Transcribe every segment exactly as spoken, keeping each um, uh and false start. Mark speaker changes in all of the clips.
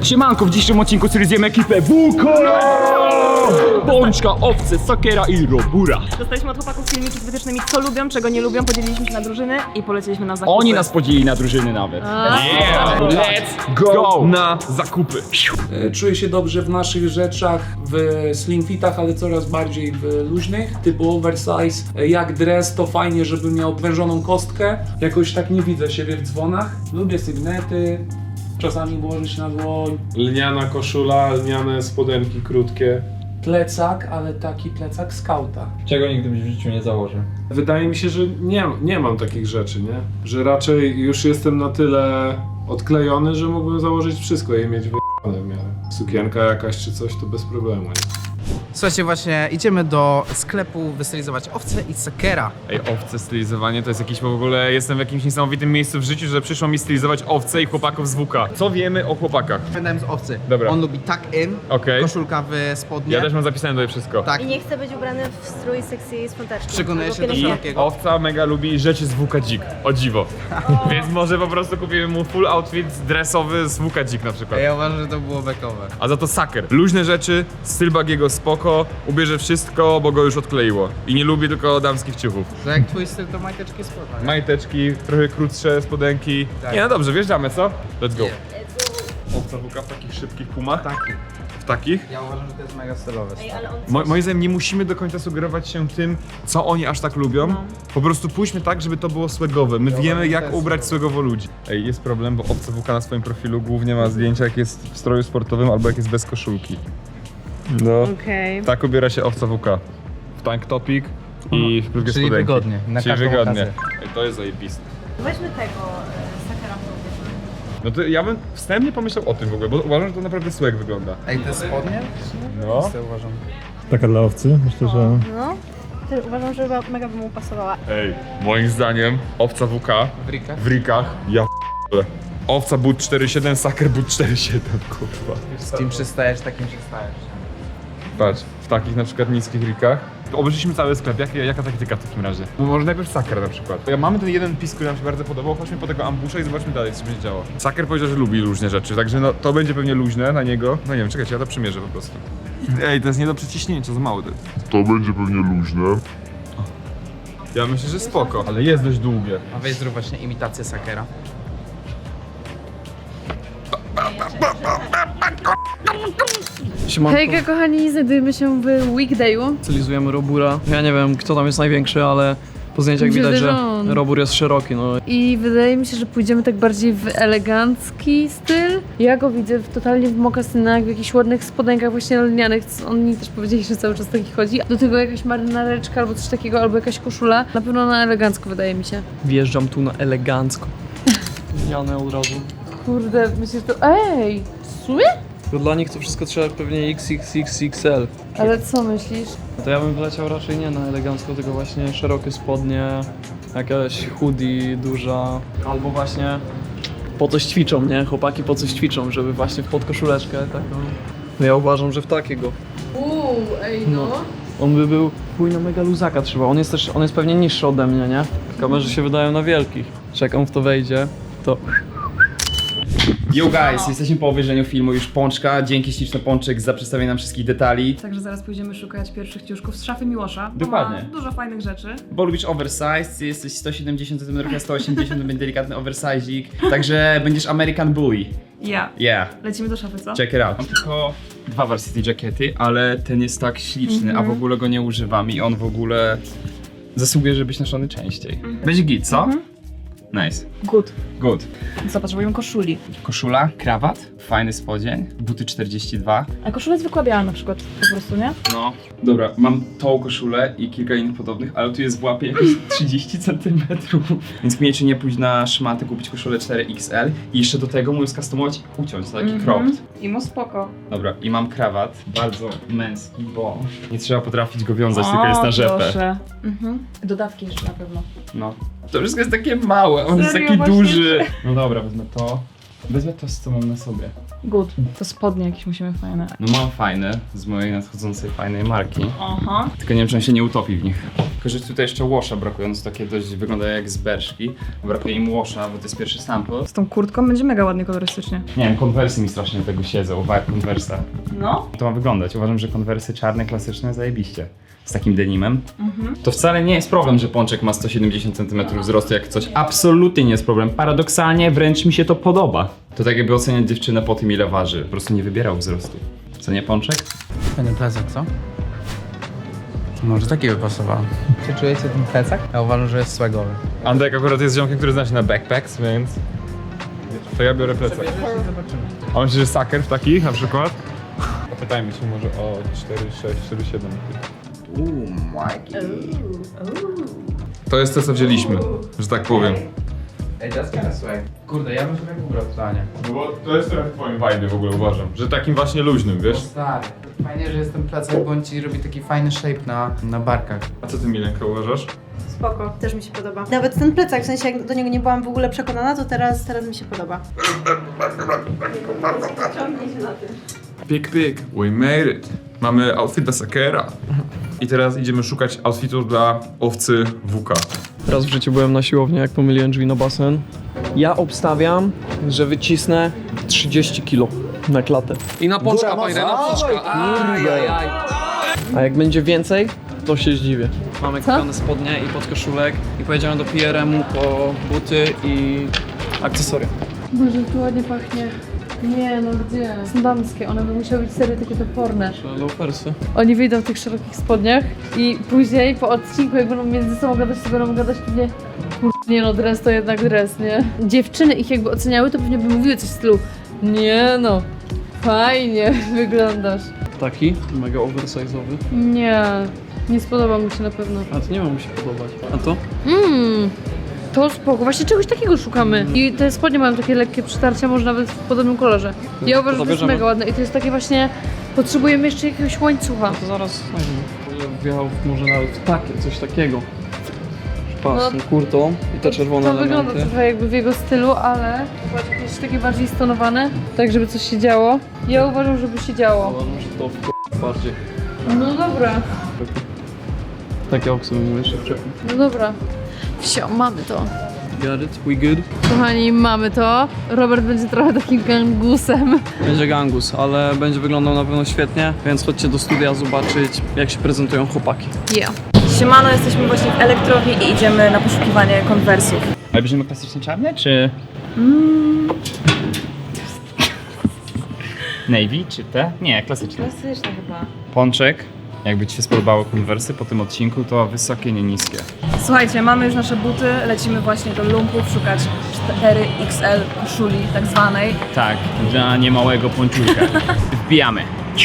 Speaker 1: Siemanko, w dzisiejszym odcinku zjemy ekipę W K! Pączka, owce, sakera i robura.
Speaker 2: Dostaliśmy od chłopaków filmiki z wytycznymi, co lubią, czego nie lubią, podzieliliśmy się na drużyny i poleciliśmy na zakupy.
Speaker 1: Oni nas podzielili na drużyny nawet.
Speaker 2: Yeah.
Speaker 1: Let's go na zakupy.
Speaker 3: Czuję się dobrze w naszych rzeczach, w slim fitach, ale coraz bardziej w luźnych, typu oversize. Jak dress to fajnie, żeby miał wężoną kostkę. Jakoś tak nie widzę siebie w dzwonach. Lubię sygnety, czasami włożyć na dłoń.
Speaker 4: Lniana koszula, lniane spodenki krótkie.
Speaker 3: Plecak, ale taki plecak skauta.
Speaker 5: Czego nigdy byś w życiu nie założył?
Speaker 4: Wydaje mi się, że nie, nie mam takich rzeczy, nie? Że raczej już jestem na tyle odklejony, że mógłbym założyć wszystko i mieć wyjebane w miarę. Sukienka jakaś czy coś to bez problemu, nie?
Speaker 6: Słuchajcie, właśnie idziemy do sklepu wystylizować owce i sakera.
Speaker 7: Ej, owce, stylizowanie to jest jakiś w ogóle, jestem w jakimś niesamowitym miejscu w życiu, że przyszło mi stylizować owce i chłopaków z W K. Co wiemy o chłopakach?
Speaker 6: Pamiętałem z owcy.
Speaker 7: Dobra.
Speaker 6: On lubi tuck in,
Speaker 7: Okej.
Speaker 6: koszulka w spodnie.
Speaker 7: Ja też mam zapisane tutaj wszystko.
Speaker 6: Tak.
Speaker 8: I nie chce być ubrany w strój sexy sprzątaczki.
Speaker 6: Przekonuje się do
Speaker 8: pielęgniarki.
Speaker 6: szerokiego.
Speaker 7: Owca mega lubi rzeczy z W K Dzik, o dziwo. Więc może po prostu kupimy mu full outfit dresowy z W K Dzik na przykład.
Speaker 6: Ja uważam, że to było bekowe.
Speaker 7: A za to saker. Luźne rzeczy, styl Bagiego spoko, ubierze wszystko, bo go już odkleiło. I nie lubi tylko damskich ciuchów.
Speaker 6: To jak twój styl, to majteczki spodnie.
Speaker 7: Majteczki, trochę krótsze spodenki.
Speaker 6: Tak.
Speaker 7: Nie, no dobrze, wjeżdżamy, co? Let's go.
Speaker 6: Nie.
Speaker 7: Owca W K w takich szybkich pumach.
Speaker 6: Taki.
Speaker 7: W takich?
Speaker 6: Ja uważam, że to jest mega stylowe.
Speaker 8: Ej, ale on
Speaker 7: Mo moim zdaniem nie musimy do końca sugerować się tym, co oni aż tak lubią. Po prostu pójdźmy tak, żeby to było swagowe. My wiemy,
Speaker 6: uważam,
Speaker 7: jak
Speaker 6: że to jest
Speaker 7: ubrać swagowo ludzi. Ej, jest problem, bo Owca W K na swoim profilu głównie ma zdjęcia, jak jest w stroju sportowym albo jak jest bez koszulki. No,
Speaker 2: Okej.
Speaker 7: tak ubiera się Owca W K. W tank topik i w krótkie
Speaker 6: Czyli
Speaker 7: spodenki.
Speaker 6: wygodnie, na
Speaker 7: Czyli
Speaker 6: każdą
Speaker 7: wygodnie.
Speaker 6: okazję.
Speaker 7: Ej, to jest zajebiste.
Speaker 8: Weźmy tego e, sakera w tą
Speaker 7: No to ja bym wstępnie pomyślał o tym w ogóle, bo uważam, że to naprawdę swag wygląda.
Speaker 6: Ej, te spodnie?
Speaker 7: No.
Speaker 6: To uważam.
Speaker 9: Taka dla owcy, myślę, że...
Speaker 8: No. Też uważam, że chyba mega by mu pasowała.
Speaker 7: Ej, moim zdaniem Owca W K
Speaker 6: W rikach?
Speaker 7: w rikach, ja p***le. Owca but cztery siedem, saker but cztery siedem, kurwa.
Speaker 6: Z kim przystajesz, takim przystajesz.
Speaker 7: Patrz, w takich na przykład niskich rikach. Obejrzyliśmy cały sklep, Jak, jaka taktyka w takim razie? No może najpierw saker na przykład. Ja mamy ten jeden pis, który nam się bardzo podobał, chodźmy po tego ambusza i zobaczmy dalej, co będzie działo. Saker powiedział, że lubi luźne rzeczy, także no to będzie pewnie luźne na niego. No nie wiem, czekajcie, ja to przymierzę po prostu. Ej, to jest nie do przeciśnięcia, za mało.
Speaker 10: To będzie pewnie luźne.
Speaker 7: Ja myślę, że spoko, ale jest dość długie.
Speaker 6: A weź zrób właśnie imitację sakera.
Speaker 11: Hejka kochani, znajdujemy się w Weekdayu.
Speaker 12: Stylizujemy Robura. Ja nie wiem, kto tam jest największy, ale po zdjęciach
Speaker 11: Mi się
Speaker 12: widać,
Speaker 11: wydaje,
Speaker 12: że
Speaker 11: że on.
Speaker 12: Robur jest szeroki, no.
Speaker 11: I wydaje mi się, że pójdziemy tak bardziej w elegancki styl. Ja go widzę w, totalnie w mokasynach, w jakichś ładnych spodenkach właśnie lnianych. co Oni też powiedzieli, że cały czas taki chodzi. Do tego jakaś marynareczka albo coś takiego, albo jakaś koszula. Na pewno na elegancko wydaje mi się.
Speaker 12: Wjeżdżam tu na elegancko. Zmianę od razu.
Speaker 11: Kurde, myślę, że to... Ej! W sumie?
Speaker 12: To dla nich to wszystko trzeba pewnie X X X X L.
Speaker 11: Ale co myślisz?
Speaker 12: To ja bym wyleciał raczej nie na elegancko, tylko właśnie szerokie spodnie, jakaś hoodie duża, albo właśnie po coś ćwiczą, nie? Chłopaki po coś ćwiczą, żeby właśnie w podkoszuleczkę taką. No ja uważam, że w takiego.
Speaker 11: Uuu, ej no.
Speaker 12: On by był chuj na mega luzaka trzeba. On jest też, on jest pewnie niższy ode mnie, nie? Kamerzy się wydają na wielkich. Czekam w to wejdzie, to...
Speaker 1: Yo guys, jesteśmy po obejrzeniu filmu już Pączka. Dzięki śliczny Pączek za przedstawienie nam wszystkich detali.
Speaker 2: Także zaraz pójdziemy szukać pierwszych ciuszków z szafy Miłosza. bo
Speaker 1: Dokładnie.
Speaker 2: ma dużo fajnych rzeczy.
Speaker 1: Bo lubisz oversize, ty jesteś sto siedemdziesiąt centymetrów, ja sto osiemdziesiąt, będzie delikatny oversize'ik. Także będziesz American Boy.
Speaker 2: Ja.
Speaker 1: Yeah.
Speaker 2: Lecimy do szafy, co?
Speaker 1: Check it out. Mam tylko dwa varsity jackety, ale ten jest tak śliczny, a w ogóle go nie używam i on w ogóle zasługuje, żeby być noszony częściej. Będzie git, co? Nice.
Speaker 2: Good.
Speaker 1: Good.
Speaker 2: Co, potrzebujemy koszuli.
Speaker 1: Koszula, krawat, fajny spodzień, buty czterdzieści dwa.
Speaker 2: A koszula zwykła biała na przykład, po prostu, nie?
Speaker 1: No. Dobra, mam tą koszulę i kilka innych podobnych, ale tu jest w łapie jakieś trzydzieści centymetrów. Więc mnie czy nie pójść na szmaty, kupić koszulę cztery X L i jeszcze do tego mój skustomować, uciąć, taki
Speaker 2: Mhm.
Speaker 1: cropped.
Speaker 2: I mu spoko.
Speaker 1: Dobra, i mam krawat, bardzo męski, bo nie trzeba potrafić go wiązać, tylko jest na rzepę.
Speaker 2: Proszę. Mhm. Dodawki jeszcze na pewno.
Speaker 1: No. To wszystko jest takie małe, on jest
Speaker 2: Serio,
Speaker 1: taki
Speaker 2: właśnie?
Speaker 1: duży. No dobra, wezmę to. Wezmę to, co mam na sobie.
Speaker 2: Good. To spodnie jakieś musimy fajne.
Speaker 1: No mam fajne, z mojej nadchodzącej fajnej marki.
Speaker 2: Aha.
Speaker 1: Tylko nie wiem, czy on się nie utopi w nich. Tylko, że tutaj jeszcze washa brakuje, one są takie dość, wyglądają jak z berszki. Brakuje im washa, bo to jest pierwszy sample.
Speaker 2: Z tą kurtką będzie mega ładnie kolorystycznie.
Speaker 1: Nie wiem, konwersy mi strasznie do tego siedzą, vibe konwersa.
Speaker 2: No.
Speaker 1: To ma wyglądać. Uważam, że konwersy czarne, klasyczne, zajebiście. Z takim denimem. Mhm. To wcale nie jest problem, że Pączek ma sto siedemdziesiąt centymetrów wzrostu jak coś. Absolutnie nie jest problem. Paradoksalnie wręcz mi się to podoba. To tak jakby oceniać dziewczynę po tym, ile waży. Po prostu nie wybierał wzrostu. Co nie, Pączek?
Speaker 6: Fajny plecak, co? Może taki by pasował. Czy czujecie ten plecak? Ja uważam, że jest swagowy.
Speaker 7: Andek akurat jest ziomkiem, który zna się na backpacks, więc... To ja biorę plecak.
Speaker 6: Zobaczymy.
Speaker 7: A myślisz, że saker w takich na przykład? Zapytajmy się może o cztery sześć, cztery siedem.
Speaker 6: Uuu, Mikey.
Speaker 7: To jest to, co wzięliśmy, że tak powiem.
Speaker 6: Ej, that's kinda swag. Kurde, ja bym sobie ubrał totalnie.
Speaker 7: No bo to jest trochę w twoim vibe w ogóle, uważam. Że takim właśnie luźnym, wiesz?
Speaker 6: Stary. Fajnie, że jest ten plecak, bo on ci robi taki fajny shape na, na barkach.
Speaker 7: A co ty, Milenka, uważasz?
Speaker 8: Spoko, też mi się podoba. Nawet ten plecak, w sensie jak do niego nie byłam w ogóle przekonana, to teraz, teraz mi się podoba. Ciągnij się na tym.
Speaker 7: Pik, pik, we made it. Mamy outfit dla Sakera. I teraz idziemy szukać outfitu dla owcy W K.
Speaker 12: Raz w życiu byłem na siłowni, jak pomyliłem drzwi na basen. Ja obstawiam, że wycisnę trzydzieści kilo na klatę. I na pączka, panie, na pączka. A jak będzie więcej, to się zdziwię. Mamy kupione spodnie i podkoszulek i pojedziemy do P R M-u po buty i akcesoria.
Speaker 11: Boże, tu ładnie pachnie. Nie, no gdzie? Są damskie, one by musiały być serio takie toporne.
Speaker 12: Loafersy.
Speaker 11: Oni wyjdą w tych szerokich spodniach i później po odcinku, jak będą między sobą gadać, to będą gadać pewnie kur... nie no, dres to jednak dres, nie? Dziewczyny ich jakby oceniały, to pewnie by mówiły coś w stylu nie no, fajnie wyglądasz.
Speaker 12: Taki, mega oversize'owy.
Speaker 11: Nie, nie spodoba mi się na pewno.
Speaker 12: A to nie ma mu się podobać. A to?
Speaker 11: Mmm, to spoko, właśnie czegoś takiego szukamy. I te spodnie mają takie lekkie przytarcia, może nawet w podobnym kolorze. Ja uważam, że to jest
Speaker 12: zabierzemy.
Speaker 11: mega ładne i to jest takie właśnie, potrzebujemy jeszcze jakiegoś łańcucha.
Speaker 12: To zaraz znajdziemy. Wjechał w- może nawet w takie, coś takiego. Pas,
Speaker 11: No,
Speaker 12: no, kurtą i te czerwone
Speaker 11: To wygląda
Speaker 12: elementy.
Speaker 11: trochę jakby w jego stylu, ale zobacz, jakieś takie bardziej stonowane, tak żeby coś się działo. Ja uważam, żeby się działo.
Speaker 12: Ale może to w bardziej.
Speaker 11: No dobra,
Speaker 12: Takie oksy bym jeszcze wczepił.
Speaker 11: no dobra. Wsio, mamy to.
Speaker 12: Got it? We good?
Speaker 11: Kochani, mamy to. Robert będzie trochę takim gangusem.
Speaker 12: Będzie gangus, ale będzie wyglądał na pewno świetnie, więc chodźcie do studia zobaczyć, jak się prezentują chłopaki.
Speaker 11: Yeah.
Speaker 2: Siemano, jesteśmy właśnie w elektrowni i idziemy na poszukiwanie konwersów.
Speaker 1: Ale bierzemy klasyczne czarne, czy... Navy, czy te? Nie, klasyczne.
Speaker 11: Klasyczne chyba.
Speaker 1: Pączek, jakby ci się spodobały konwersy po tym odcinku, to wysokie, nie niskie.
Speaker 2: Słuchajcie, mamy już nasze buty, lecimy właśnie do lumpów szukać cztery X L koszuli tak zwanej.
Speaker 1: Tak, dla niemałego pączulka. Wbijamy.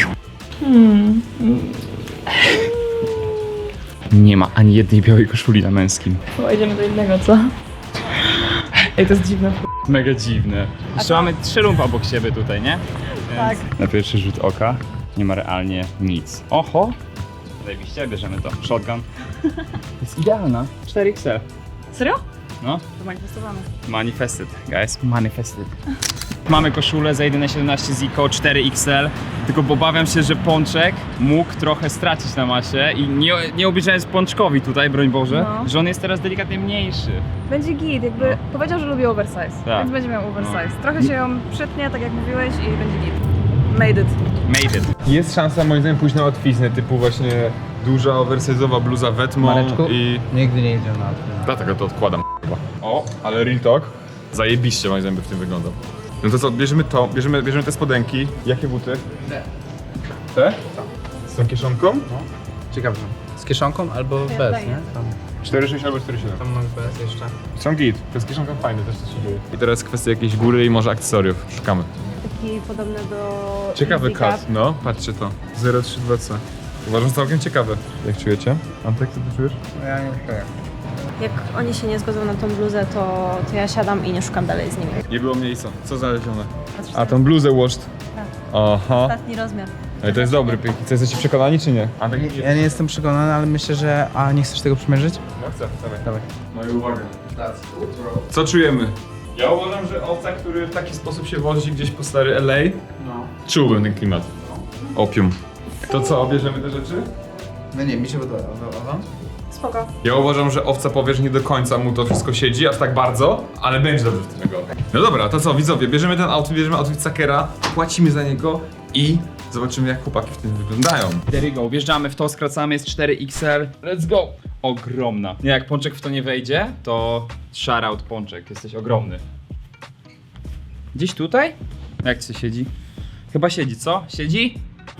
Speaker 1: Nie ma ani jednej białej koszuli na męskim.
Speaker 2: Chyba idziemy do innego, co? Ej, to jest dziwne.
Speaker 1: Mega dziwne. Jeszcze mamy trzy lumpy obok siebie tutaj, nie?
Speaker 2: Tak.
Speaker 1: Na pierwszy rzut oka nie ma realnie nic. Oho! Zajebiście, bierzemy to. Shotgun. Jest idealna. cztery X L.
Speaker 2: Serio?
Speaker 1: No.
Speaker 2: To manifestowane.
Speaker 1: Manifested, guys. Manifested. Mamy koszulę za jedyne siedemnaście Zico cztery X L, tylko obawiam się, że Pączek mógł trochę stracić na masie i nie, nie obliczając Pączkowi tutaj, broń Boże,
Speaker 2: No.
Speaker 1: że on jest teraz delikatnie mniejszy.
Speaker 2: Będzie git, jakby
Speaker 1: No.
Speaker 2: powiedział, że lubi oversize,
Speaker 1: Tak.
Speaker 2: więc będzie miał oversize.
Speaker 1: No.
Speaker 2: Trochę się ją przytnie, tak jak mówiłeś i będzie git. Made it.
Speaker 1: Made it.
Speaker 7: Jest szansa moim zdaniem pójść na łatwiznę, typu właśnie duża, oversize'owa bluza wetmą
Speaker 6: Mareczku?
Speaker 7: i...
Speaker 6: Nigdy nie idzie na to.
Speaker 7: Dlatego to odkładam chyba. O, ale real talk. Zajebiście moim zdaniem by w tym wyglądał. No to co, bierzemy to, bierzemy, bierzemy te spodenki. Jakie buty?
Speaker 6: Te.
Speaker 7: Te? Z tą kieszonką?
Speaker 6: Ciekawe. Z kieszonką albo bez, nie? Tam,
Speaker 7: cztery sześć albo cztery siedem.
Speaker 6: tam mam bez jeszcze.
Speaker 7: Są git. To jest kieszonka fajne, też coś się dzieje. I teraz kwestia jakiejś góry i może akcesoriów. Szukamy.
Speaker 8: Taki podobny do...
Speaker 7: Ciekawy
Speaker 8: Easy Cup.
Speaker 7: cut, no. Patrzcie to. zero trzy dwa C. Uważam, że całkiem ciekawe. Jak czujecie? Antek, co ty czujesz?
Speaker 6: No ja nie czuję.
Speaker 8: Jak oni się nie zgodzą na tą bluzę, to, to ja siadam i nie szukam dalej z nimi.
Speaker 7: Nie było miejsca. Co znalezione? A tą bluzę washed. Aha.
Speaker 8: Ostatni rozmiar.
Speaker 7: Ale to jest dobry pik. Co, jesteście przekonani czy nie? Antek, nie,
Speaker 6: Ja nie jestem przekonany, ale myślę, że... A nie chcesz tego przymierzyć?
Speaker 7: No chcę, dawaj.
Speaker 6: Dawaj.
Speaker 7: No i uwaga. Co czujemy? Ja uważam, że owca, który w taki sposób się wozi gdzieś po stary L A, no. Czułbym ten klimat. Opium. To co, bierzemy te rzeczy?
Speaker 6: No nie, mi się podoba. A wam?
Speaker 2: Spoko.
Speaker 7: Ja uważam, że owca powie, że nie do końca mu to wszystko siedzi, aż tak bardzo, ale będzie dobrze w tego. No dobra, to co, widzowie, bierzemy ten outfit, bierzemy outfit Sakera, płacimy za niego i zobaczymy, jak chłopaki w tym wyglądają.
Speaker 1: There you go, wjeżdżamy w to, skracamy, jest cztery X L. Let's go! Ogromna. Nie, jak Pączek w to nie wejdzie, to shoutout Pączek, jesteś ogromny. Gdzieś tutaj? Jak ci siedzi? Chyba siedzi, co? Siedzi?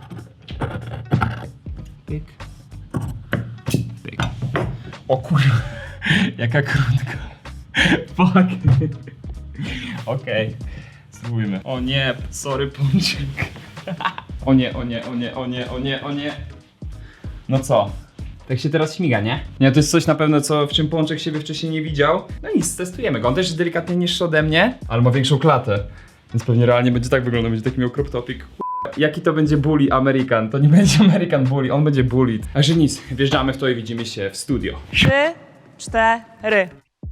Speaker 1: Pyk. Pyk. O kurwa, jaka krótka. Fuck. Okej, spróbujmy. O nie, sorry Pączek. O nie, o nie, o nie, o nie, o nie, o nie. No co? Tak się teraz śmiga, nie? Nie, to jest coś na pewno, co w czym Pączek siebie wcześniej nie widział. No nic, testujemy go. On też jest delikatnie niższy ode mnie, ale ma większą klatę. Więc pewnie realnie będzie tak wyglądał, będzie taki miał crop topik. Jaki to będzie bully American? To nie będzie American bully, on będzie bullied. Także nic, wjeżdżamy w to i widzimy się w studio.
Speaker 2: Trzy, cztery.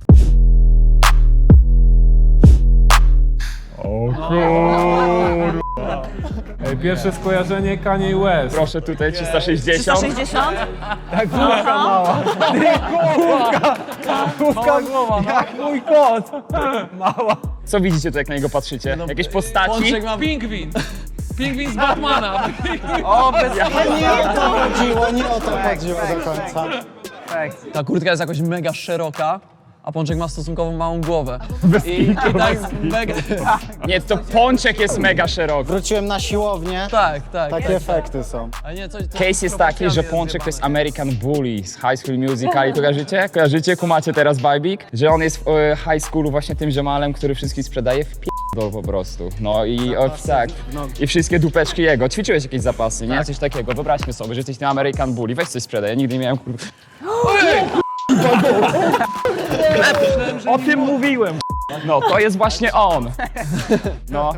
Speaker 9: O kurwa.
Speaker 4: Ej, pierwsze skojarzenie Kanye West.
Speaker 1: Proszę tutaj trzysta sześćdziesiąt.
Speaker 2: trzysta sześćdziesiąt?
Speaker 6: Tak, główka mała. Główka! Główka głowa, jak mój kot. Mała.
Speaker 1: Co widzicie tu, jak na niego patrzycie? Jakieś postaci?
Speaker 12: Pączek ma
Speaker 3: Pingwin! Pingwin z Batmana!
Speaker 6: O, bez
Speaker 13: Nie o to chodziło, nie o to chodziło do końca.
Speaker 12: Ta kurtka jest jakoś mega szeroka, a Pączek ma stosunkowo małą głowę. I, i tak mega...
Speaker 1: Nie, to Pączek jest mega szeroki.
Speaker 13: Wróciłem na siłownię,
Speaker 12: Tak, tak.
Speaker 13: takie efekty są.
Speaker 12: A nie, coś, coś
Speaker 1: Case jest taki, że Pączek to jest American Bully z High School Musical. Kojarzycie? Kojarzycie? Kumacie teraz vibik? Że on jest w e, high schoolu właśnie tym ziomalem, który wszystkich sprzedaje w p***dol po prostu. No i o, tak. I wszystkie dupeczki jego. Ćwiczyłeś jakieś zapasy, nie? Coś takiego. Wyobraźmy sobie, że jesteś tym American Bully. Weź coś sprzedaj. Ja nigdy nie miałem kur... O tym mówiłem. No, to jest właśnie on. No.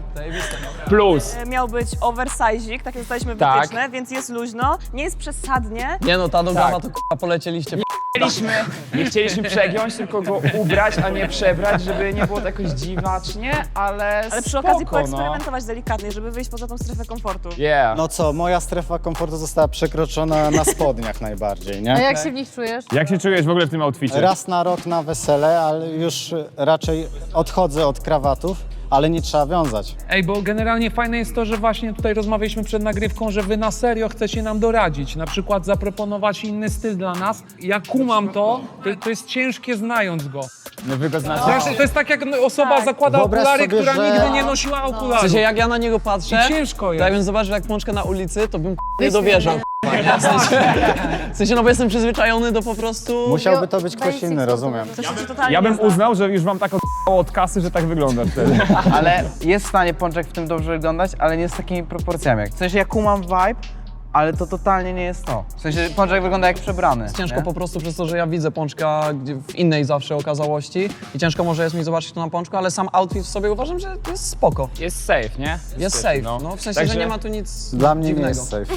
Speaker 1: Plus.
Speaker 2: Miał być oversize'ik, takie dostaliśmy
Speaker 1: Tak.
Speaker 2: wytyczne, więc jest luźno, nie jest przesadnie.
Speaker 12: Nie no, ta nogawa
Speaker 1: Tak.
Speaker 12: to k***a polecieliście.
Speaker 1: Chcieliśmy, nie chcieliśmy przegiąć, tylko go ubrać, a nie przebrać, żeby nie było to jakoś dziwacznie, ale
Speaker 2: Ale przy
Speaker 1: spoko,
Speaker 2: okazji
Speaker 1: no.
Speaker 2: poeksperymentować delikatnie, żeby wyjść poza tą strefę komfortu.
Speaker 1: Yeah.
Speaker 13: No co, moja strefa komfortu została przekroczona na spodniach najbardziej,
Speaker 11: A
Speaker 13: nie?
Speaker 11: jak się w nich czujesz?
Speaker 7: Jak się czujesz w ogóle w tym outficie?
Speaker 13: Raz na rok na wesele, ale już raczej odchodzę od krawatów, ale nie trzeba wiązać.
Speaker 3: Ej, bo generalnie fajne jest to, że właśnie tutaj rozmawialiśmy przed nagrywką, że wy na serio chcecie nam doradzić, na przykład zaproponować inny styl dla nas. Ja kumam to, to, to jest ciężkie znając go.
Speaker 1: No wy go znacie.
Speaker 3: Zresztą to jest tak, jak osoba
Speaker 2: Tak.
Speaker 3: zakłada
Speaker 13: Wyobraź
Speaker 3: okulary,
Speaker 13: sobie,
Speaker 3: która
Speaker 13: że-
Speaker 3: nigdy nie nosiła
Speaker 12: W
Speaker 3: okularów.
Speaker 12: sensie jak ja na niego patrzę,
Speaker 3: I ciężko
Speaker 12: to
Speaker 3: jest.
Speaker 12: jakbym zobaczył jak Pączka na ulicy, to bym k***a nie dowierzał. k***a. W sensie, w sensie, no bo jestem przyzwyczajony do po prostu...
Speaker 13: Musiałby to być ktoś inny, rozumiem.
Speaker 2: Coś ci totalnie
Speaker 7: Ja bym
Speaker 2: nie zna.
Speaker 7: uznał, że już wam tak od***ło od kasy, że tak wygląda wtedy.
Speaker 6: Ale jest w stanie Pączek w tym dobrze wyglądać, ale nie z takimi proporcjami. W sensie ja kumam vibe, ale to totalnie nie jest to. W sensie Pączek wygląda jak przebrany.
Speaker 12: Ciężko
Speaker 6: nie?
Speaker 12: po prostu przez to, że ja widzę Pączka gdzie- w innej zawsze okazałości i ciężko może jest mi zobaczyć to na Pączku, ale sam outfit w sobie uważam, że jest spoko.
Speaker 1: Jest safe, nie?
Speaker 12: Jest safe, no w sensie,
Speaker 1: Także-
Speaker 12: że nie ma tu nic
Speaker 13: Dla mnie
Speaker 12: dziwnego.
Speaker 13: nie jest safe.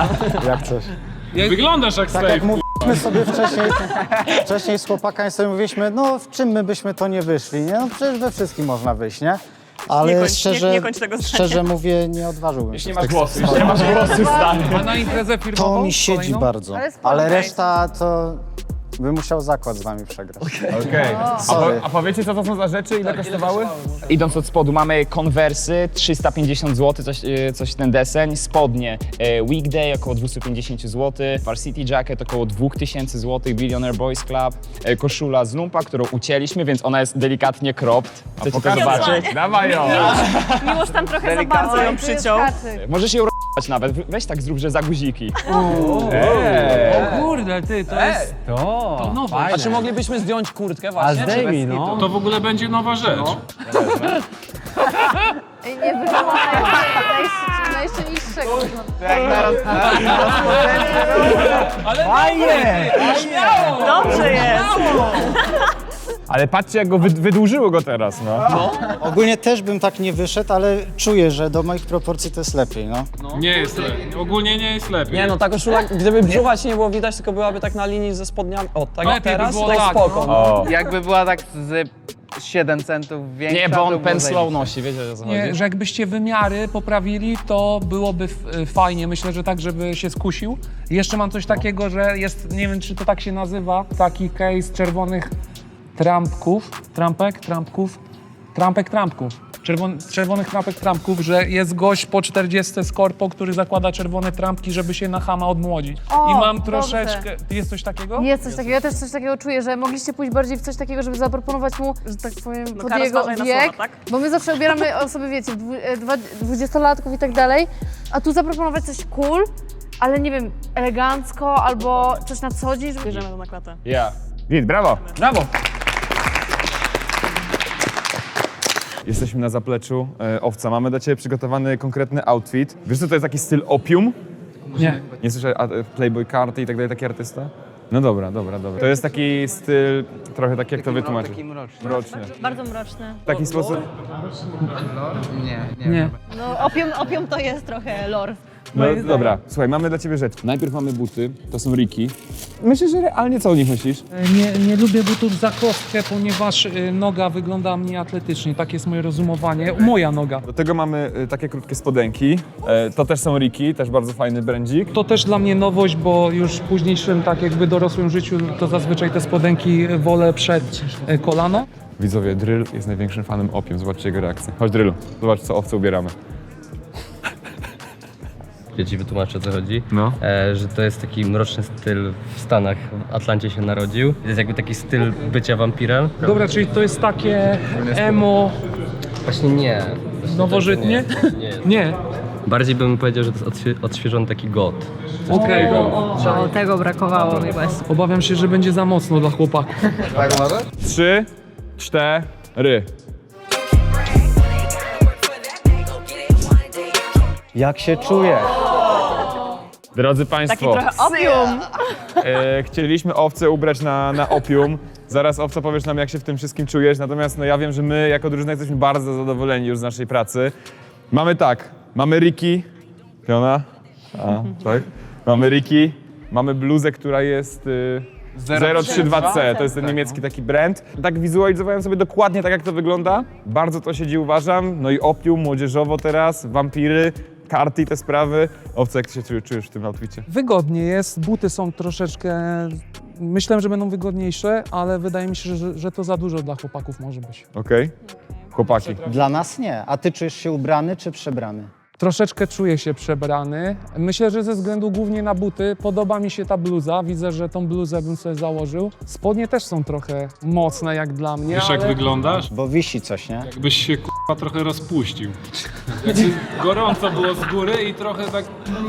Speaker 13: Jak coś.
Speaker 4: Wyglądasz jak
Speaker 13: Tak
Speaker 4: safe.
Speaker 13: jak mówiliśmy sobie wcześniej, wcześniej z chłopakami sobie mówiliśmy, no w czym my byśmy to nie wyszli, nie? No przecież we wszystkim można wyjść, nie? Ale
Speaker 2: Nie kończ-
Speaker 13: szczerze,
Speaker 2: nie- nie kończ tego zdania.
Speaker 13: szczerze mówię, nie odważyłbym
Speaker 1: Już
Speaker 13: się
Speaker 1: nie
Speaker 13: w
Speaker 1: masz
Speaker 13: tych
Speaker 1: głosu, już
Speaker 13: sytuacjach.
Speaker 1: nie masz głosu, stary.
Speaker 3: A na imprezę firmową?
Speaker 13: To mi siedzi
Speaker 3: kolejną?
Speaker 13: bardzo,
Speaker 11: Ale spoko.
Speaker 13: ale reszta to by musiał zakład z wami przegrać.
Speaker 7: Okej. A, po,
Speaker 13: Sorry.
Speaker 7: a powiecie, co to są za rzeczy, ile kosztowały?
Speaker 1: Idąc od spodu mamy konwersy, trzysta pięćdziesiąt złotych, coś, e, coś ten deseń, spodnie e, Weekday około dwieście pięćdziesiąt złotych, Varsity Jacket około dwa tysiące złotych, Billionaire Boys Club, e, koszula z lumpa, którą ucięliśmy, więc ona jest delikatnie cropped. Chcecie to
Speaker 7: pokaż.
Speaker 1: zobaczyć?
Speaker 7: Dawaj ją!
Speaker 2: Miłość tam trochę za bardzo ją przyciął.
Speaker 1: Możesz ją r***ać nawet, weź tak zrób, że za guziki.
Speaker 3: O kurde, ty, to jest...
Speaker 6: To,
Speaker 3: To nowe.
Speaker 12: A czy moglibyśmy zdjąć kurtkę właśnie?
Speaker 6: A zdejmij, no.
Speaker 4: To w ogóle będzie nowa rzecz.
Speaker 11: Ej, nie wygląda najsilniejszego.
Speaker 7: Fajnie!
Speaker 2: Dobrze jest.
Speaker 7: Ale patrzcie, jak go wy, wydłużyło go teraz, no.
Speaker 13: Ogólnie też bym tak nie wyszedł, ale czuję, że do moich proporcji to jest lepiej, no.
Speaker 4: Nie jest lepiej. Ogólnie nie jest lepiej.
Speaker 12: Nie no, ta koszula, gdyby brzucha ci nie było widać, tylko byłaby tak na linii ze spodniami, o tak jak
Speaker 3: Lepiej by
Speaker 12: teraz,
Speaker 3: było
Speaker 12: tak
Speaker 3: tak,
Speaker 12: spoko.
Speaker 3: no.
Speaker 7: O.
Speaker 6: Jakby była tak z siedem centów większa.
Speaker 14: Nie, bo
Speaker 6: to
Speaker 14: on
Speaker 6: było
Speaker 14: pen
Speaker 6: zajebiście.
Speaker 14: slow nosi, wiecie o co chodzi?
Speaker 3: Nie, że jakbyście wymiary poprawili, to byłoby f- fajnie. Myślę, że tak, żeby się skusił. Jeszcze mam coś takiego, że jest, nie wiem czy to tak się nazywa, taki case czerwonych trampków, trampek, trampków, trampek, trampków. Czerwon, czerwonych trampek, trampków, że jest gość po czterdziestce z korpo, który zakłada czerwone trampki, żeby się na chama odmłodzić.
Speaker 11: O,
Speaker 3: I mam
Speaker 11: dobrze.
Speaker 3: troszeczkę... Jest coś takiego?
Speaker 11: Jest coś takiego, ja też coś takiego czuję, że mogliście pójść bardziej w coś takiego, żeby zaproponować mu, że tak powiem,
Speaker 2: No,
Speaker 11: pod
Speaker 2: Kara,
Speaker 11: jego
Speaker 2: zważaj na
Speaker 11: wiek,
Speaker 2: słowa, tak?
Speaker 11: bo my zawsze ubieramy osoby, wiecie, dwu- e, dwa- dwudziestolatków i tak dalej, a tu zaproponować coś cool, ale nie wiem, elegancko albo coś na co dzień, żeby...
Speaker 2: Bierzemy to na klatę.
Speaker 7: Ja. Git, brawo!
Speaker 3: Brawo!
Speaker 7: Jesteśmy na zapleczu e, Owca. Mamy dla ciebie przygotowany konkretny outfit. Wiesz co to jest taki styl opium?
Speaker 3: Nie.
Speaker 7: Nie słyszę a, e, Playboy Karty i tak dalej, taki artysta? No dobra, dobra, dobra. To jest taki styl, trochę tak jak to wytłumaczyć.
Speaker 6: Taki mroczny.
Speaker 7: Mroczny.
Speaker 8: Bardzo mroczny.
Speaker 7: W taki sposób...
Speaker 6: Nie, nie.
Speaker 3: Nie.
Speaker 8: No opium, opium to jest trochę lore.
Speaker 7: No dobra, słuchaj, mamy dla ciebie rzecz. Najpierw mamy buty, to są Riki. Myślę, że realnie co o nich myślisz?
Speaker 3: Nie, nie lubię butów za kostkę, ponieważ y, noga wygląda mniej atletycznie. Tak jest moje rozumowanie. Moja noga.
Speaker 7: Do tego mamy y, takie krótkie spodenki. E, to też są Riki, też bardzo fajny brandzik.
Speaker 3: To też dla mnie nowość, bo już w późniejszym, tak jakby dorosłym życiu, to zazwyczaj te spodenki wolę przed y, kolano.
Speaker 7: Widzowie, Drill jest największym fanem opium. Zobaczcie jego reakcję. Chodź Drillu, zobacz co owce ubieramy.
Speaker 15: Ja ci wytłumaczę o co chodzi.
Speaker 7: No.
Speaker 15: E, że to jest taki mroczny styl w Stanach. W Atlancie się narodził. To jest jakby taki styl bycia wampirem.
Speaker 3: Dobra, czyli to jest takie emo
Speaker 15: Właśnie nie. Właśnie
Speaker 3: nowożytnie?
Speaker 15: tak nie, nie.
Speaker 3: Nie.
Speaker 15: Bardziej bym powiedział, że to jest odświe- odświeżony taki goth.
Speaker 3: Okej.
Speaker 8: O, tego brakowało mi właśnie.
Speaker 3: Obawiam się, że będzie za mocno dla chłopaków.
Speaker 6: Tak może?
Speaker 7: Trzy, cztery.
Speaker 13: Jak się czujesz?
Speaker 7: Drodzy Państwo,
Speaker 2: Taki trochę opium.
Speaker 7: e, chcieliśmy owce ubrać na, na opium. Zaraz owca powiesz nam, jak się w tym wszystkim czujesz. Natomiast no, ja wiem, że my jako drużyna jesteśmy bardzo zadowoleni już z naszej pracy. Mamy tak, mamy Riki. Fiona? A, tak. Mamy Riki, mamy bluzę, która jest y, zero trzy dwa C. To jest ten niemiecki taki brand. Tak wizualizowałem sobie dokładnie tak, jak to wygląda. Bardzo to siedzi, uważam. No i opium, młodzieżowo teraz, wampiry, karty i te sprawy. Owca, jak ty się czujesz, czujesz w tym outficie?
Speaker 3: Wygodnie jest, buty są troszeczkę... Myślałem, że będą wygodniejsze, ale wydaje mi się, że, że to za dużo dla chłopaków może być.
Speaker 7: Okej? Chłopaki.
Speaker 13: Dla nas nie. A ty czujesz się ubrany czy przebrany?
Speaker 3: Troszeczkę czuję się przebrany. Myślę, że ze względu głównie na buty. Podoba mi się ta bluza. Widzę, że tą bluzę bym sobie założył. Spodnie też są trochę mocne jak dla mnie,
Speaker 4: Wiesz
Speaker 3: ale...
Speaker 4: jak wyglądasz?
Speaker 13: Bo wisi coś, nie?
Speaker 4: Jakbyś się k***a trochę rozpuścił. Jakby gorąco było z góry i trochę tak...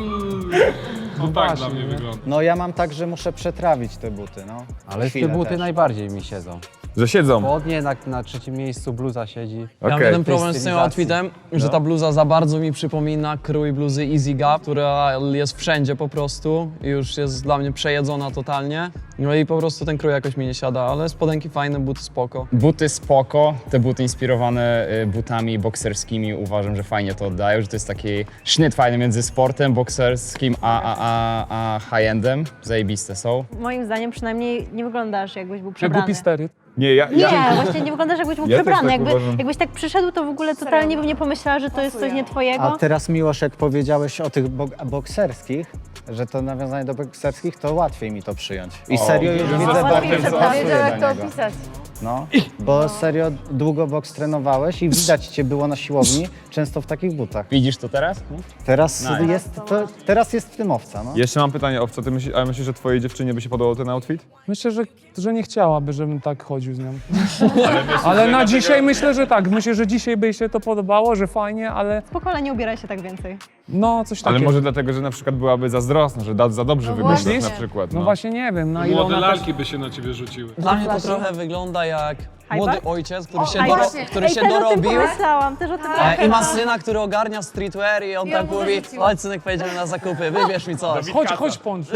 Speaker 4: No tak
Speaker 3: właśnie,
Speaker 4: dla mnie
Speaker 3: nie?
Speaker 4: wygląda.
Speaker 13: No ja mam tak, że muszę przetrawić te buty, no.
Speaker 5: Ale
Speaker 13: Chwilę
Speaker 5: te buty
Speaker 13: też.
Speaker 5: najbardziej mi siedzą.
Speaker 7: Że siedzą.
Speaker 5: Spodnie na, na trzecim miejscu, bluza siedzi.
Speaker 12: Ja mam
Speaker 7: Okej.
Speaker 12: jeden problem z tym
Speaker 5: stylizacji.
Speaker 12: outfitem, że
Speaker 5: No.
Speaker 12: ta bluza za bardzo mi przypomina krój bluzy Easy Gap, która jest wszędzie po prostu i już jest dla mnie przejedzona totalnie. No i po prostu ten krój jakoś mi nie siada, ale spodenki fajne, buty spoko.
Speaker 14: Buty spoko, te buty inspirowane y, butami bokserskimi uważam, że fajnie to oddają, że to jest taki sznyt fajny między sportem bokserskim a, a, a, a high-endem. Zajebiste są.
Speaker 8: Moim zdaniem przynajmniej nie wyglądasz jakbyś był
Speaker 3: Jak
Speaker 8: przebrany.
Speaker 3: głupi stery.
Speaker 7: Nie, ja...
Speaker 8: Nie,
Speaker 7: ja...
Speaker 8: właśnie nie wyglądasz jakbyś był
Speaker 7: Ja też
Speaker 8: przebrany.
Speaker 7: tak
Speaker 8: Jakby,
Speaker 7: uważam.
Speaker 8: jakbyś tak przyszedł, to w ogóle totalnie bym nie pomyślała, że to jest coś nie twojego.
Speaker 13: A teraz Miłosz, jak powiedziałeś o tych bok- bokserskich, że to nawiązanie do bokserskich, to łatwiej mi to przyjąć. I
Speaker 7: O,
Speaker 13: serio już
Speaker 7: że
Speaker 13: widzę
Speaker 7: za
Speaker 13: bardziej,
Speaker 7: bardzo
Speaker 13: że
Speaker 7: co-
Speaker 13: pasuje
Speaker 11: Wiedział, jak
Speaker 13: do
Speaker 11: to
Speaker 13: niego.
Speaker 11: opisać.
Speaker 13: No, bo serio długo boks trenowałeś i widać cię było na siłowni, często w takich butach.
Speaker 14: Widzisz to teraz?
Speaker 13: Teraz
Speaker 14: Nice.
Speaker 13: jest, to, teraz jest w tym owca, no.
Speaker 7: Jeszcze mam pytanie, Owca, ty myślisz, ale myślisz, że twojej dziewczynie by się podobał ten outfit?
Speaker 3: Myślę, że, że nie chciałaby, żebym tak chodził z nią. Ale na dzisiaj myślę, że tak. Myślę, że dzisiaj by jej się to podobało, że fajnie, ale
Speaker 8: Spoko, ale nie ubieraj się tak więcej.
Speaker 3: no coś takiego.
Speaker 7: Ale może dlatego, że na przykład byłaby zazdrosna, że da, za dobrze wyglądasz
Speaker 11: właśnie.
Speaker 7: na przykład.
Speaker 3: No właśnie nie wiem, na ile
Speaker 4: Młode
Speaker 3: ona też...
Speaker 4: lalki by się na ciebie rzuciły.
Speaker 12: Dla mnie to trochę wygląda jak młody ojciec, który się,
Speaker 8: Ej,
Speaker 12: doro-
Speaker 8: właśnie.
Speaker 12: który
Speaker 8: Ej,
Speaker 12: się
Speaker 8: też o tym
Speaker 12: dorobił.
Speaker 8: pomyślałam, też o tym
Speaker 12: E, I
Speaker 8: pomyślałam.
Speaker 12: ma syna, który ogarnia streetwear i on
Speaker 11: I
Speaker 12: tak
Speaker 11: on mu
Speaker 12: mówi,
Speaker 11: zarzucił.
Speaker 12: chodź synek, pojedziemy na zakupy, wybierz mi coś.
Speaker 3: Chodź, chodź Pączu.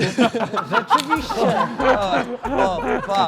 Speaker 12: O, pa.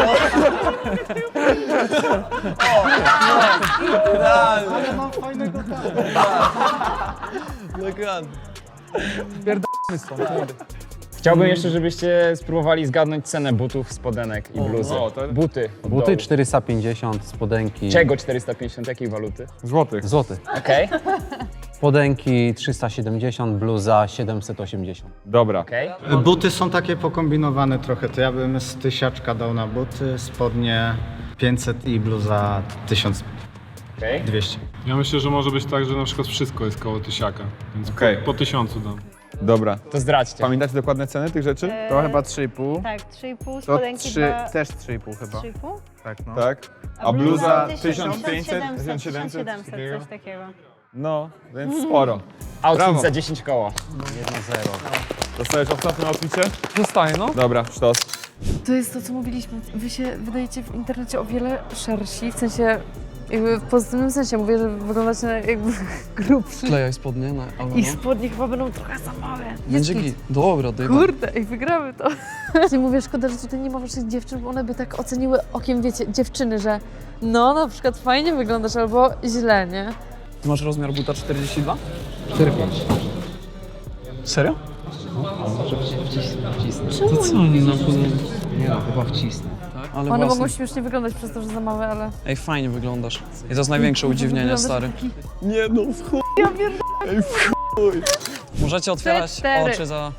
Speaker 12: O, idealnie.
Speaker 13: Ale mam fajnego
Speaker 12: Dokładnie.
Speaker 3: Pierdolmy stąd. kurde.
Speaker 14: Chciałbym jeszcze, żebyście spróbowali zgadnąć cenę butów, spodenek i bluzy.
Speaker 7: o, to-
Speaker 14: Buty. od
Speaker 5: Buty
Speaker 14: dołu.
Speaker 5: czterysta pięćdziesiąt, spodenki...
Speaker 14: Czego czterysta pięćdziesiąt? Jakiej waluty?
Speaker 7: Złotych.
Speaker 5: Złoty.
Speaker 14: Okej,
Speaker 5: Spodenki trzysta siedemdziesiąt, bluza siedemset osiemdziesiąt.
Speaker 7: Dobra.
Speaker 14: okej.
Speaker 13: Buty są takie pokombinowane trochę, to ja bym z tysiaczka dał na buty, spodnie pięćset i bluza tysiąc dwieście.
Speaker 4: Ja myślę, że może być tak, że na przykład wszystko jest koło tysiaka, więc
Speaker 7: Okej.
Speaker 4: po, po tysiącu dam.
Speaker 7: Dobra.
Speaker 14: To zdradźcie.
Speaker 7: Pamiętacie dokładne ceny tych rzeczy?
Speaker 6: To chyba trzy i pół.
Speaker 8: Tak, trzy i pół,
Speaker 6: To
Speaker 8: spodenki
Speaker 6: trzy,
Speaker 8: dwa...
Speaker 6: też trzy i pół chyba.
Speaker 8: trzy i pół?
Speaker 6: Tak, no.
Speaker 7: Tak. A bluza
Speaker 8: tysiąc
Speaker 7: tysiąc pięćset,
Speaker 8: siedemset,
Speaker 7: tysiąc siedemset,
Speaker 8: tysiąc
Speaker 7: coś
Speaker 8: siedemset,
Speaker 7: takiego?
Speaker 8: coś takiego.
Speaker 7: No, więc sporo.
Speaker 14: Outfit
Speaker 7: Brawo.
Speaker 14: za dziesięć koła.
Speaker 5: jedno zero.
Speaker 7: Dostajesz ostatnią outficie?
Speaker 3: Zostaje, no.
Speaker 7: Dobra, sztos.
Speaker 11: To jest to, co mówiliśmy. Wy się wydajecie w internecie o wiele szersi, w sensie, jakby w pozytywnym sensie. Mówię, że wyglądacie na jakby grubszy.
Speaker 12: Klejaj spodnie na Alano.
Speaker 11: I spodnie chyba będą trochę za małe.
Speaker 12: Będzie
Speaker 11: Jest
Speaker 12: git. Dobra, daj.
Speaker 11: Kurde, i wygramy to. Właśnie mówię, szkoda, że tutaj nie ma waszych dziewczyn, bo one by tak oceniły okiem, wiecie, dziewczyny, że no, na przykład fajnie wyglądasz albo źle, nie?
Speaker 12: Ty masz rozmiar buta czterdzieści dwa?
Speaker 5: cztery pięć.
Speaker 12: Serio?
Speaker 11: Czemu
Speaker 12: To co oni nam podobno?
Speaker 5: Nie no, chyba wcisnę.
Speaker 12: Ale
Speaker 11: One
Speaker 12: własne.
Speaker 11: mogą śmiesznie wyglądać przez to, że za małe, ale...
Speaker 12: Ej, fajnie wyglądasz. I to jest największe udziwnienie,
Speaker 11: Wyglądasz
Speaker 12: stary.
Speaker 11: taki-
Speaker 12: Nie no, w chuj.
Speaker 11: Ja pierdolę.
Speaker 12: Ej, w chuj. Możecie otwierać
Speaker 11: Cztery.
Speaker 12: oczy za...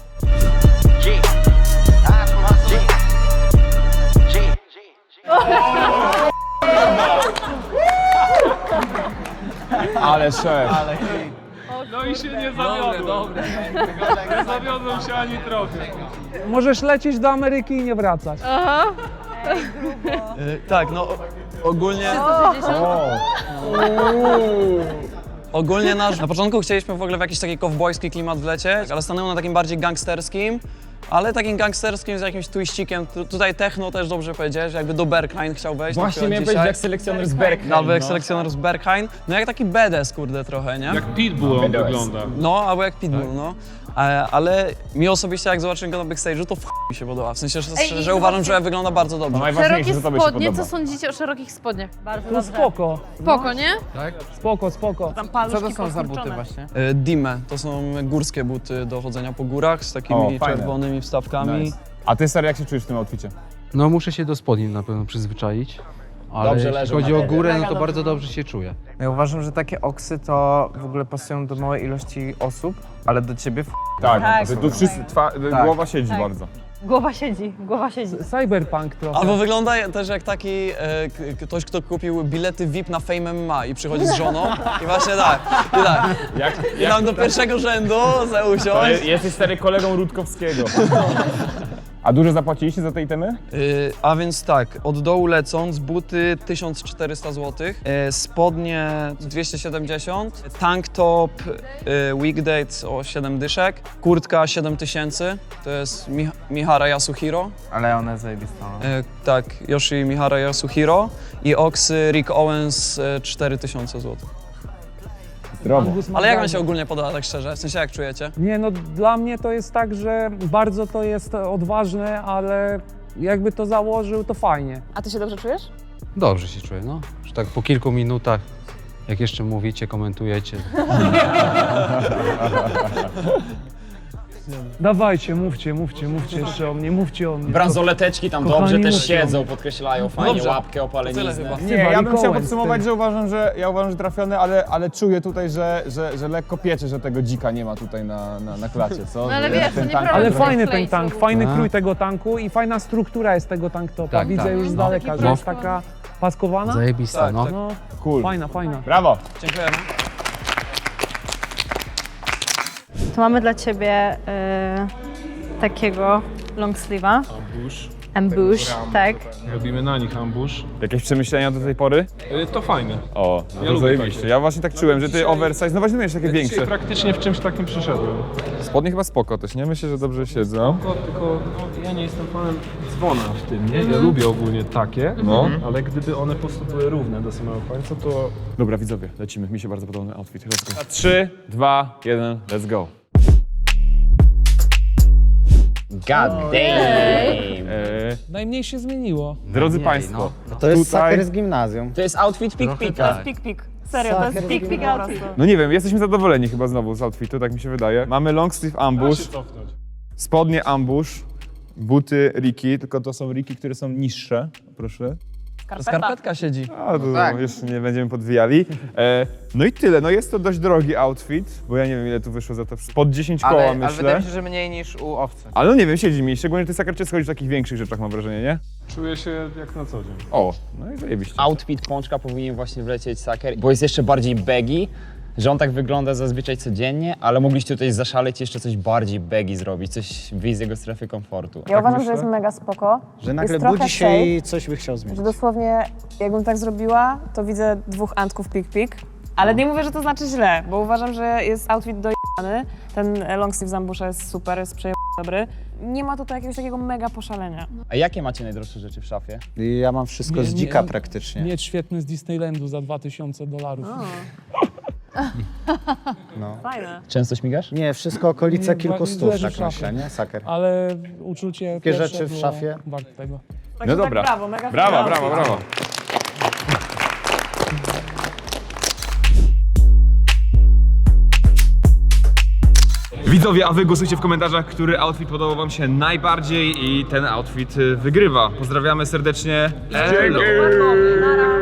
Speaker 7: Ale szef.
Speaker 3: No i się nie zawiodłem. Dobre, dobre. Nie zawiodłem się ani trochę. Możesz lecieć do Ameryki i nie wracać.
Speaker 11: Aha.
Speaker 12: Y, tak, no o- ogólnie... Ogólnie nasz... Na początku chcieliśmy w ogóle w jakiś taki kowbojski klimat wlecieć, ale stanęło na takim bardziej gangsterskim, ale takim gangsterskim z jakimś twiścikiem. Tu, tutaj techno też dobrze powiedziałeś, jakby do Berghain chciał wejść. na
Speaker 14: Właśnie
Speaker 12: przykład
Speaker 14: miałem
Speaker 12: dzisiaj.
Speaker 14: powiedzieć jak selekcjoner z Berghain.
Speaker 12: Albo jak
Speaker 14: no.
Speaker 12: selekcjoner z Berghain. No jak taki badass, kurde, trochę, nie?
Speaker 4: Jak Pitbull on
Speaker 14: Będę
Speaker 4: wygląda.
Speaker 12: No, albo jak Pitbull, no. E, ale mi osobiście, jak zobaczyłem go na backstage'u, to w chuj mi się podoba. W sensie, że,
Speaker 11: Ej,
Speaker 12: że
Speaker 11: i
Speaker 12: uważam,
Speaker 11: zobaczcie-
Speaker 12: że wygląda bardzo dobrze.
Speaker 14: Najważniejsze,
Speaker 11: Szerokie
Speaker 14: że tobie się
Speaker 11: spodnie,
Speaker 14: podoba.
Speaker 11: co sądzicie o szerokich spodniach?
Speaker 8: Bardzo
Speaker 3: No
Speaker 8: dobrze.
Speaker 3: spoko.
Speaker 11: Spoko, nie?
Speaker 3: Spoko, spoko.
Speaker 2: Tam
Speaker 5: Co
Speaker 2: paluszki
Speaker 5: to są za buty
Speaker 2: poskurczone.
Speaker 5: właśnie?
Speaker 12: E, Dime, to są górskie buty do chodzenia po górach z takimi
Speaker 7: O, fajne.
Speaker 12: czerwonymi wstawkami.
Speaker 7: Nice. A ty, stary, jak się czujesz w tym outficie?
Speaker 5: No muszę się do spodni na pewno przyzwyczaić. Ale
Speaker 14: Dobrze
Speaker 5: jeśli
Speaker 14: leżą
Speaker 5: chodzi
Speaker 14: na
Speaker 5: o
Speaker 14: tobie.
Speaker 5: górę, no to bardzo dobrze się czuję.
Speaker 6: Ja uważam, że takie oksy to w ogóle pasują do małej ilości osób, ale do ciebie w
Speaker 7: Tak,
Speaker 8: Tak,
Speaker 7: że tu wszyscy, twa,
Speaker 6: Tak.
Speaker 7: głowa siedzi
Speaker 8: Tak.
Speaker 7: bardzo.
Speaker 8: Głowa siedzi, głowa siedzi.
Speaker 3: Cyberpunk trochę.
Speaker 12: Albo wygląda też jak taki e, k- ktoś, kto kupił bilety V I P na Fame M M A i przychodzi z żoną i właśnie tak, i tak.
Speaker 14: Jak,
Speaker 12: I tam do pierwszego rzędu za usiąść.
Speaker 7: Jesteś stary kolegą Rutkowskiego. A dużo zapłaciliście za te itemy?
Speaker 12: Y, a więc tak, od dołu lecąc, buty tysiąc czterysta złotych, y, spodnie dwieście siedemdziesiąt, tank top y, weekdays o siedem dyszek, kurtka siedem tysięcy, to jest Mi Mihara Yasuhiro,
Speaker 6: Ale ona jest zajebista. No.
Speaker 12: y, tak, Yoshi Mihara Yasuhiro i oksy Rick Owens y, cztery tysiące złotych.
Speaker 7: Zdrowo.
Speaker 12: Ale jak wam się ogólnie podoba, tak szczerze? W sensie jak czujecie?
Speaker 3: Nie, no dla mnie to jest tak, że bardzo to jest odważne, ale jakby to założył, to fajnie.
Speaker 2: A ty się dobrze czujesz?
Speaker 5: Dobrze się czuję, no. Że tak po kilku minutach, jak jeszcze mówicie, komentujecie.
Speaker 3: Dawajcie, mówcie, mówcie, mówcie jeszcze o mnie, mówcie o mnie.
Speaker 1: Bransoleteczki tam
Speaker 3: Kochani,
Speaker 1: dobrze też
Speaker 3: mówcie.
Speaker 1: siedzą, podkreślają fajnie
Speaker 12: Dobrze.
Speaker 1: łapkę,
Speaker 12: Tyle
Speaker 1: opaleniznę.
Speaker 12: chyba.
Speaker 7: Nie, ja bym chciał
Speaker 3: Kołęc,
Speaker 7: podsumować,
Speaker 3: ty.
Speaker 7: że uważam, że ja uważam, że trafiony, ale, ale czuję tutaj, że, że, że lekko piecze, że tego dzika nie ma tutaj na, na, na klacie, co?
Speaker 11: No ale
Speaker 7: Że
Speaker 11: wiesz,
Speaker 7: ten
Speaker 11: to
Speaker 7: tank-
Speaker 11: nieprawda.
Speaker 3: Ale
Speaker 11: Dobra.
Speaker 3: fajny
Speaker 11: Klej
Speaker 3: ten tank,
Speaker 11: znowu.
Speaker 3: fajny
Speaker 5: A.
Speaker 3: krój tego tanku i fajna struktura jest tego tank topa.
Speaker 5: Tak,
Speaker 3: Widzę
Speaker 5: tak.
Speaker 3: już z
Speaker 11: No,
Speaker 3: daleka,
Speaker 11: taki
Speaker 3: że jest
Speaker 11: prosto.
Speaker 3: taka paskowana.
Speaker 5: Zajebista,
Speaker 12: Tak,
Speaker 5: no.
Speaker 12: tak.
Speaker 3: No,
Speaker 7: Cool.
Speaker 3: fajna, fajna.
Speaker 7: Brawo!
Speaker 12: Dziękujemy.
Speaker 8: Tu mamy dla ciebie y, takiego long sleeve'a.
Speaker 4: Ambush.
Speaker 8: Ambush, tak.
Speaker 4: Robimy na nich ambush.
Speaker 7: Jakieś przemyślenia do tej pory?
Speaker 4: Y, To fajne.
Speaker 7: O, no
Speaker 4: Ja
Speaker 7: to
Speaker 4: lubię
Speaker 7: zajebiście.
Speaker 4: takie.
Speaker 7: Ja właśnie tak czułem, że ty oversize, no właśnie miałeś takie
Speaker 4: Dzisiaj
Speaker 7: większe.
Speaker 4: praktycznie w czymś takim przyszedłem.
Speaker 7: Spodnie chyba spoko też, nie? Myślę, że dobrze siedzą.
Speaker 4: Tylko, tylko no, ja nie jestem fanem dzwona w tym, nie? Ja lubię ogólnie takie,
Speaker 7: No.
Speaker 4: ale gdyby one po prostu były równe do samego końca, to
Speaker 7: Dobra, widzowie, lecimy. Mi się bardzo podoba ten outfit. Let's go. trzy, dwa, jeden, let's go.
Speaker 14: God damn.
Speaker 7: Eee,
Speaker 3: Najmniej się zmieniło.
Speaker 7: drodzy Państwo,
Speaker 13: To jest
Speaker 7: tutaj...
Speaker 13: saker z gimnazjum.
Speaker 14: To jest outfit pik pika.
Speaker 2: Pik, pik. Serio, to jest pik, pik outfit.
Speaker 7: No nie wiem, jesteśmy zadowoleni chyba znowu z outfitu, tak mi się wydaje. Mamy long sleeve
Speaker 4: da się
Speaker 7: ambush.
Speaker 4: cofnąć.
Speaker 7: spodnie ambush, buty Riki, tylko to są Riki, które są niższe, proszę.
Speaker 12: Skarpetka siedzi.
Speaker 7: A, to tak. Jeszcze nie będziemy podwijali. E, no i tyle, no jest to dość drogi outfit, bo ja nie wiem ile tu wyszło za to, pod dziesięć koła
Speaker 6: Ale,
Speaker 7: myślę.
Speaker 6: ale wydaje mi się, że mniej niż u owcy.
Speaker 7: Ale no nie wiem, siedzi mi, szczególnie ty Saker schodzi w takich większych rzeczach mam wrażenie, nie?
Speaker 4: Czuję się jak na co dzień.
Speaker 7: O, no i zajebiście.
Speaker 14: Outfit Pączka powinien właśnie wlecieć Saker, bo jest jeszcze bardziej baggy, że on tak wygląda zazwyczaj codziennie, ale mogliście tutaj zaszaleć i jeszcze coś bardziej baggy zrobić, coś wyjść z jego strefy komfortu.
Speaker 2: Ja uważam, że jest mega spoko.
Speaker 13: Że nagle
Speaker 2: jest trochę
Speaker 13: budzi się
Speaker 2: safe,
Speaker 13: i coś by chciał zmienić.
Speaker 2: Że dosłownie, jakbym tak zrobiła, to widzę dwóch antków pik-pik. Ale nie mówię, że to znaczy źle, bo uważam, że jest outfit dojebany. Ten long sleeve z ambusza jest super, jest przejebany dobry. Nie ma tutaj jakiegoś takiego mega poszalenia.
Speaker 14: A jakie macie najdroższe rzeczy w szafie?
Speaker 13: Ja mam wszystko
Speaker 3: Nie,
Speaker 13: z
Speaker 3: nie,
Speaker 13: dzika praktycznie.
Speaker 3: Miecz świetny z Disneylandu za dwa tysiące dolarów.
Speaker 13: No.
Speaker 2: Fajne.
Speaker 14: Często śmigasz?
Speaker 13: Nie, wszystko okolice
Speaker 3: Nie,
Speaker 13: kilku
Speaker 3: ba-
Speaker 13: stów,
Speaker 3: leży
Speaker 13: tak
Speaker 3: w szafie.
Speaker 13: myślę, nie? Saker.
Speaker 3: Ale uczucie
Speaker 13: Takie
Speaker 3: pierwsze
Speaker 13: rzeczy w
Speaker 3: było
Speaker 13: szafie.
Speaker 3: warte tego.
Speaker 2: Także
Speaker 7: No dobra.
Speaker 2: Tak, brawo, mega
Speaker 7: Brawa,
Speaker 2: fajny
Speaker 7: brawo,
Speaker 2: outfit.
Speaker 7: brawo. Widzowie, a wy głosujcie w komentarzach, który outfit podobał wam się najbardziej i ten outfit y, wygrywa. Pozdrawiamy serdecznie. Elo.
Speaker 2: Na razie.